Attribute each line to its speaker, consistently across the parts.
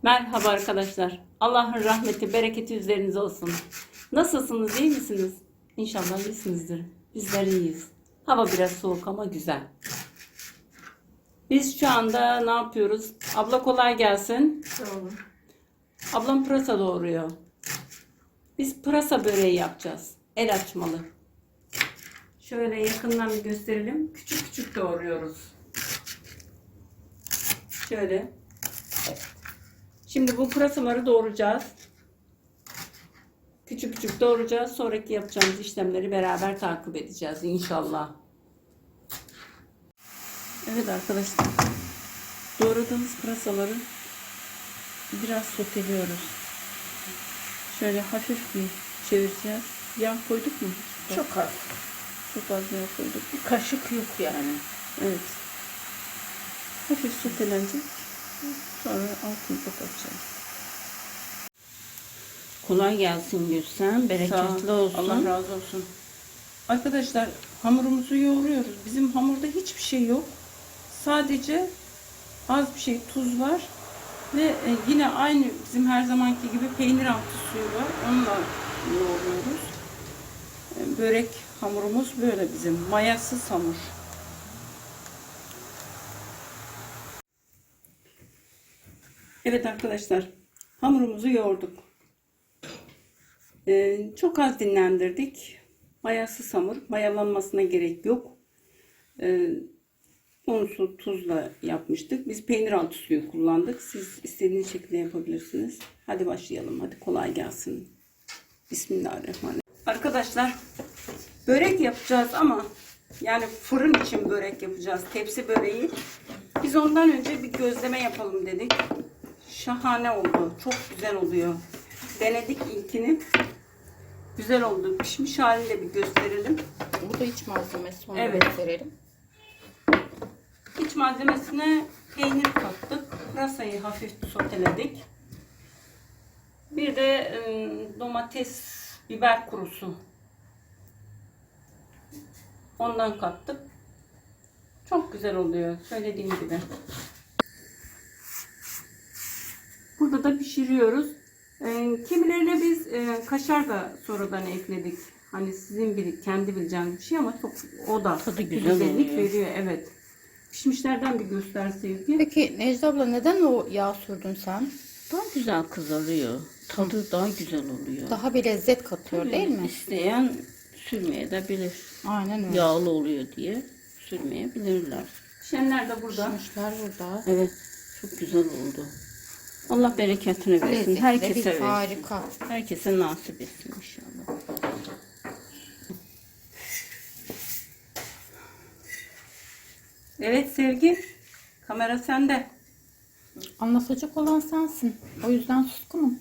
Speaker 1: Merhaba arkadaşlar. Allah'ın rahmeti, bereketi üzerinize olsun. Nasılsınız, iyi misiniz? İnşallah iyisinizdir. Bizler iyiyiz. Hava biraz soğuk ama güzel. Biz şu anda ne yapıyoruz? Abla kolay gelsin.
Speaker 2: Sağ olun.
Speaker 1: Ablam pırasa doğuruyor. Biz pırasa böreği yapacağız. El açmalı. Şöyle yakından bir gösterelim. Küçük küçük doğruyoruz. Şöyle. Şimdi bu pırasaları doğrayacağız. Küçük küçük doğrayacağız. Sonraki yapacağımız işlemleri beraber takip edeceğiz inşallah. Evet arkadaşlar. Doğradığımız pırasaları biraz soteliyoruz. Şöyle hafif bir çevireceğiz. Yağ koyduk mu?
Speaker 2: Çok az.
Speaker 1: Çok az yağ koyduk.
Speaker 2: Bir kaşık yok yani.
Speaker 1: Evet. Hafif sotelenecek. Sonra altını kapatacağız. Kolay gelsin Gülsen. Bereketli olsun. Allah razı olsun. Arkadaşlar hamurumuzu yoğuruyoruz. Bizim hamurda hiçbir şey yok. Sadece az bir şey tuz var. Ve yine aynı bizim her zamanki gibi peynir altı suyu var. Onunla yoğuruyoruz. Börek hamurumuz böyle bizim. Mayasız hamur. Evet arkadaşlar. Hamurumuzu yoğurduk. Çok az dinlendirdik. Mayasız hamur. Mayalanmasına gerek yok. Onu tuzla yapmıştık. Biz peynir altı suyu kullandık. Siz istediğiniz şekilde yapabilirsiniz. Hadi başlayalım. Hadi kolay gelsin. Bismillahirrahmanirrahim. Arkadaşlar börek yapacağız ama yani fırın için börek yapacağız. Tepsi böreği. Biz ondan önce bir gözleme yapalım dedik. Şahane oldu. Çok güzel oluyor. Denedik ilkini. Güzel oldu. Pişmiş halini de bir gösterelim.
Speaker 2: Burada iç malzemesi onu
Speaker 1: Evet.
Speaker 2: gösterelim.
Speaker 1: İç malzemesine peynir kattık. Pırasayı hafif soteledik. Bir de domates, biber kurusu. Ondan kattık. Çok güzel oluyor. Söylediğim gibi. Burada da pişiriyoruz. Kimilerine biz kaşar da sonradan ekledik. Hani sizin kendi bileceğiniz bir şey ama çok o da
Speaker 2: Tadı güzel
Speaker 1: güzellik
Speaker 2: oluyor.
Speaker 1: veriyor. Evet. Pişmişlerden bir göster Sevgi.
Speaker 2: Peki Necla abla neden o yağ sürdün sen?
Speaker 3: Daha güzel kızarıyor. Tadı daha güzel oluyor.
Speaker 2: Daha bir lezzet katıyor değil mi?
Speaker 3: İsteyen sürmeye de bilir.
Speaker 2: Aynen öyle.
Speaker 3: Yağlı oluyor diye sürmeyebilirler.
Speaker 1: Pişenler de burada.
Speaker 2: Pişmişler burada.
Speaker 3: Evet, çok güzel oldu. Allah bereketini versin.
Speaker 2: Lezzetli
Speaker 3: Herkese
Speaker 2: bir
Speaker 3: versin.
Speaker 2: harika.
Speaker 3: Herkese nasip etsin inşallah.
Speaker 1: Evet Sevgi. Kamera sende.
Speaker 2: Anlatacak olan sensin. O yüzden suskunum.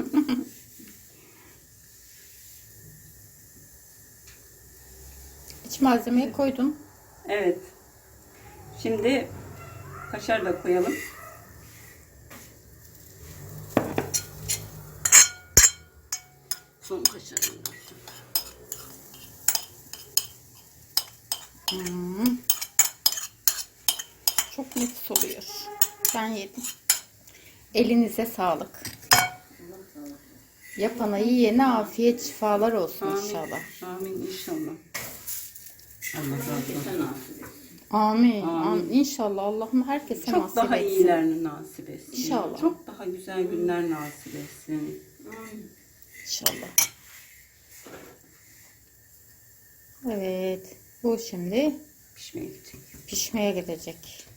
Speaker 2: İç malzemeyi koydum.
Speaker 1: Evet. Şimdi kaşar da koyalım. Son kaşarından sonra.
Speaker 2: Çok nefis oluyor. Ben yedim. Elinize sağlık. Yapana yiyene afiyet şifalar olsun inşallah.
Speaker 1: Amin inşallah.
Speaker 3: Herkese nasip etsin.
Speaker 2: Amin. Amin. İnşallah Allah'ım herkese
Speaker 1: Çok
Speaker 2: nasip
Speaker 1: daha
Speaker 2: etsin.
Speaker 1: iyilerini nasip etsin.
Speaker 2: İnşallah.
Speaker 1: Çok daha güzel günler nasip etsin.
Speaker 2: İnşallah. Evet. Bu şimdi
Speaker 1: Pişmeye gidecek.
Speaker 2: pişmeye gidecek.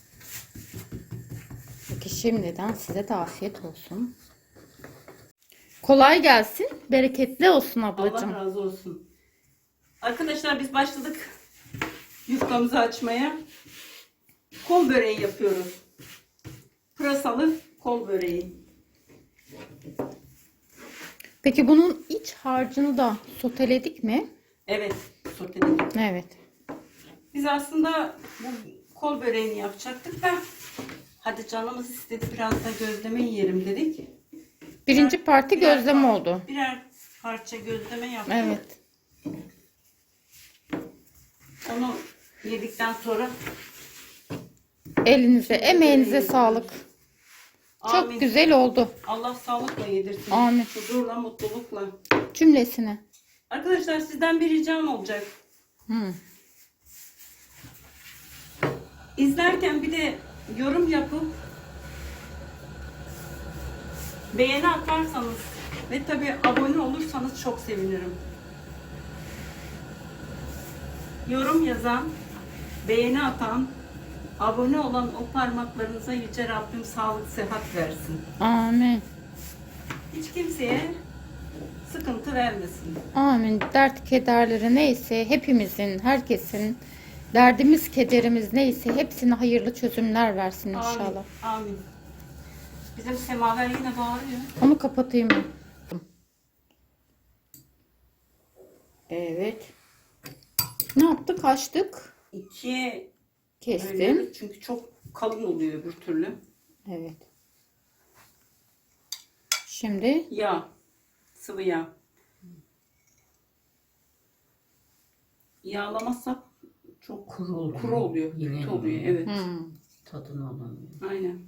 Speaker 2: Peki şimdiden size de afiyet olsun. Kolay gelsin. Bereketli olsun ablacığım.
Speaker 1: Allah razı olsun. Arkadaşlar biz başladık yufkamızı açmaya. Kol böreği yapıyoruz. Pırasalı kol böreği.
Speaker 2: Peki bunun iç harcını da soteledik mi?
Speaker 1: Evet, soteledik.
Speaker 2: Evet.
Speaker 1: Biz aslında bu kol böreğini yapacaktık da hadi canımız istedi biraz da gözleme yiyelim dedik.
Speaker 2: Birinci parti gözleme oldu.
Speaker 1: Birer parça gözleme yaptık.
Speaker 2: Evet.
Speaker 1: Onu yedikten sonra
Speaker 2: Elinize, emeğinize sağlık.
Speaker 1: Amin.
Speaker 2: Çok güzel oldu.
Speaker 1: Allah sağlıkla yedirsin.
Speaker 2: Amin.
Speaker 1: Huzurla, mutlulukla.
Speaker 2: Cümlesine.
Speaker 1: Arkadaşlar sizden bir ricam olacak.
Speaker 2: Hı.
Speaker 1: İzlerken bir de yorum yapıp beğeni atarsanız ve tabii abone olursanız çok sevinirim. Yorum yazan, beğeni atan, abone olan o parmaklarınıza Yüce Rabbim sağlık, sıhhat versin.
Speaker 2: Amin.
Speaker 1: Hiç kimseye sıkıntı vermesin.
Speaker 2: Amin. Dert kederleri neyse hepimizin, herkesin derdimiz, kederimiz neyse hepsine hayırlı çözümler versin inşallah.
Speaker 1: Amin. Amin. Bizim semaver yine bağırıyor.
Speaker 2: Onu kapatayım ben. Evet. Ne yaptık? Açtık.
Speaker 1: İkiye
Speaker 2: Kestim.
Speaker 1: bölüyoruz çünkü çok kalın oluyor öbür türlü.
Speaker 2: Evet. Şimdi
Speaker 1: Yağ. Sıvı yağ. Yağlamazsak çok
Speaker 3: Kuru oluyor.
Speaker 1: kuru oluyor.
Speaker 3: Yine
Speaker 1: Kötü oluyor. Evet.
Speaker 3: Tadını alamıyor.
Speaker 1: Aynen.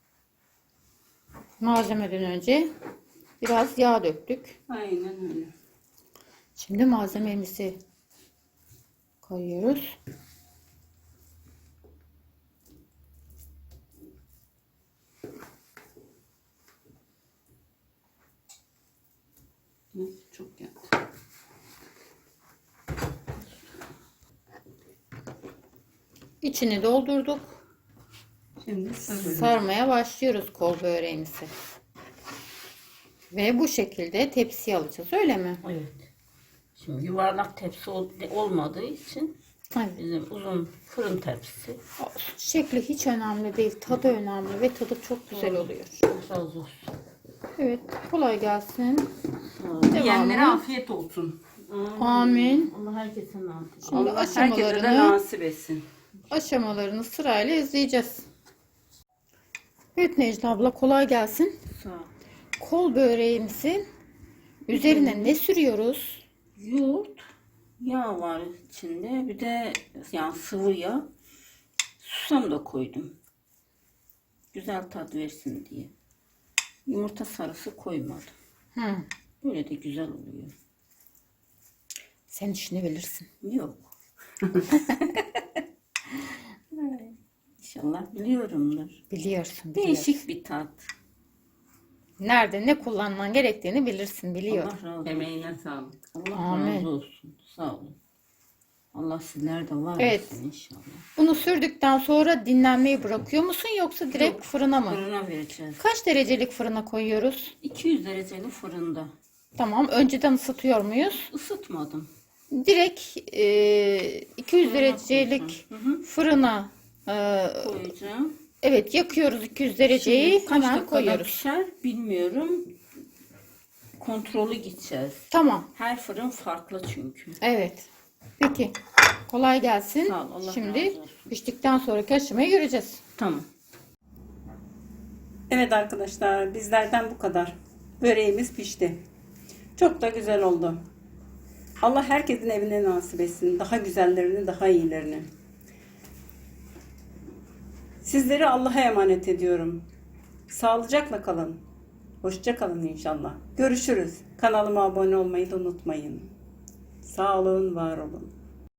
Speaker 2: malzemeden önce biraz yağ döktük.
Speaker 1: Aynen öyle.
Speaker 2: Şimdi malzememizi koyuyoruz.
Speaker 1: Çok geldi.
Speaker 2: İçini doldurduk.
Speaker 1: Şimdi sarıyorum.
Speaker 2: Sarmaya başlıyoruz kol böreğimizi. Ve bu şekilde tepsiye alacağız, öyle mi?
Speaker 3: Evet. Şimdi yuvarlak tepsi olmadığı için
Speaker 2: Evet.
Speaker 3: bizim uzun fırın tepsisi.
Speaker 2: Şekli hiç önemli değil, tadı önemli ve tadı çok güzel oluyor.
Speaker 3: Razı olsun.
Speaker 2: Evet, kolay gelsin.
Speaker 3: Sağ ol.
Speaker 1: Yiyenlere
Speaker 2: Devamı.
Speaker 1: afiyet olsun.
Speaker 2: Amin.
Speaker 3: Allah herkese nasip.
Speaker 2: Şimdi
Speaker 1: Allah herkese de
Speaker 2: aşamalarını,
Speaker 1: nasip etsin.
Speaker 2: aşamalarını sırayla izleyeceğiz. Evet Necla abla, kolay gelsin.
Speaker 3: Sağ ol.
Speaker 2: Kol böreğimizin üzerine ne sürüyoruz?
Speaker 3: Yoğurt, yağ var içinde. Bir de yani sıvı yağ. Susam da koydum. Güzel tat versin diye. Yumurta sarısı koymadım.
Speaker 2: Hı.
Speaker 3: Böyle de güzel oluyor.
Speaker 2: Sen işini bilirsin.
Speaker 3: Yok. İnşallah biliyorumdur.
Speaker 2: Biliyorsun, biliyorsun.
Speaker 3: Değişik bir tat.
Speaker 2: Nerede ne kullanman gerektiğini bilirsin, biliyorum.
Speaker 3: Allah razı olsun.
Speaker 1: Emeğine sağlık.
Speaker 3: Allah
Speaker 2: Amin.
Speaker 3: razı olsun. Sağ olun. Allah sizler de var
Speaker 2: Evet.
Speaker 3: olsun inşallah.
Speaker 2: Bunu sürdükten sonra dinlenmeyi bırakıyor musun yoksa direkt
Speaker 3: Yok,
Speaker 2: fırına mı?
Speaker 3: Fırına vereceğiz.
Speaker 2: Kaç derecelik fırına koyuyoruz?
Speaker 3: 200 dereceli fırında.
Speaker 2: Tamam, önceden ısıtıyor muyuz?
Speaker 3: Isıtmadım.
Speaker 2: Direkt 200 derecelik
Speaker 3: Hı.
Speaker 2: fırına
Speaker 3: Koyacağım.
Speaker 2: evet yakıyoruz 200 dereceyi,
Speaker 3: Şimdi kaç
Speaker 2: hemen
Speaker 3: dakikada
Speaker 2: koyuyoruz.
Speaker 3: pişer bilmiyorum. Kontrolü gideceğiz.
Speaker 2: Tamam,
Speaker 3: Her fırın farklı çünkü.
Speaker 2: evet. Peki, kolay gelsin.
Speaker 3: Sağ ol, Allah
Speaker 2: Şimdi
Speaker 3: razı olsun.
Speaker 2: piştikten sonraki aşamayı göreceğiz.
Speaker 3: Tamam.
Speaker 1: Evet arkadaşlar, bizlerden bu kadar. Böreğimiz pişti. Çok da güzel oldu. Allah herkesin evine nasip etsin. Daha güzellerini, daha iyilerini. Sizleri Allah'a emanet ediyorum. Sağlıcakla kalın. Hoşça kalın inşallah. Görüşürüz. Kanalıma abone olmayı da unutmayın. Sağ olun, var olun.